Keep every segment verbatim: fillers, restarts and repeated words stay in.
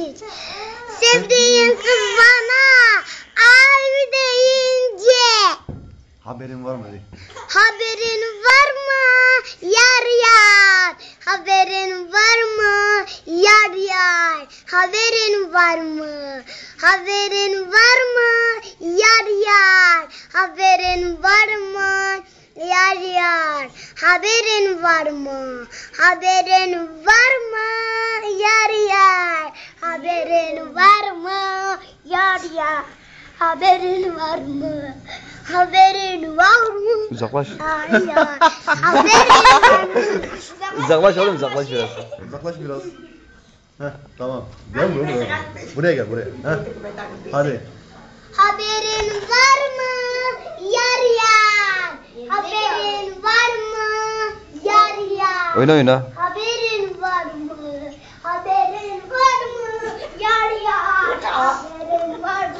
hiç. Sevdiğin kız bana abi deyince. Haberin var mı? Haberin var mı yar yar? Haberin var mı yar yar? Haberin var mı? Haberin var mı yar yar? Haberin var mı yar yar? Haberin var mı? Haberin var mı yar yar? Haberin var mı yar yar? Haberin var mı? Haberin var mı? Uzaklaş. Yar yar. Haberin var mı? Uzaklaş oğlum, uzaklaş biraz. Uzaklaş biraz. Heh, tamam. Gel buraya, buraya. Buraya gel buraya. Heh. Hadi. Haberin var mı yar yar? Haberin var mı yar yar? Oyna oyna. Haberin var mı? Haberin var mı yar yar? Haberin var mı?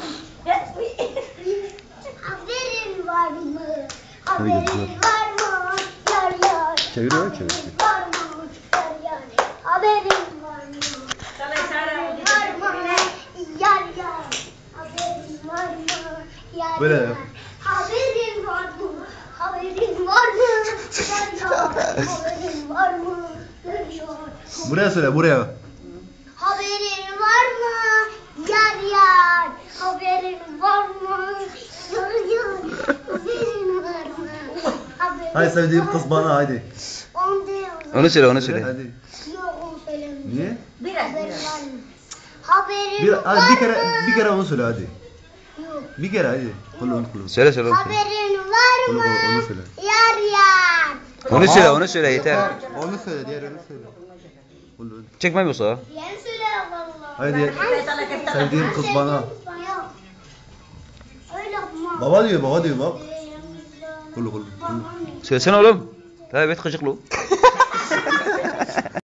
Haberin var mı? Haberin var mı yar yar? Çeviriyor, çeviriyor. Haberin var mı yar yar? Haberin var mı? Haberin var mı yar yar? Haberin var mı yar Böyle yar? yap. Haberin var mı? Haberin var mı yar yar? Haberin var mı yar yar? Buraya söyle, buraya. Haberin var mı yar yar? Haberin var mı yar yar? Haberin var mı? Haberin Hadi sevdiğim var kız mı? bana hadi. Onu değil. Onu söyle, onu söyle. Hadi. Yok onu söylemiyorum. Niye? Haberin var mı? Haberin Bir, var hadi bir kere mı? bir kere onu söyle hadi. Yok. Bir kere hadi. Kulun kulun. Söyle söyle onu söyle. Haberin var Onu- mı onu- onu söyle. yar yar? Onu söyle, onu söyle yeter. Onu söyle, diğer onu söyle. Kulun. Çekmem yoksa. Yeni söyle vallahi. Hadi. Sevdiğim kız bana. Yok. Öyle yapma. Baba diyor, baba diyor bak. Kulun kulun. Babam Söylesene oğlum. Evet gıcıklı.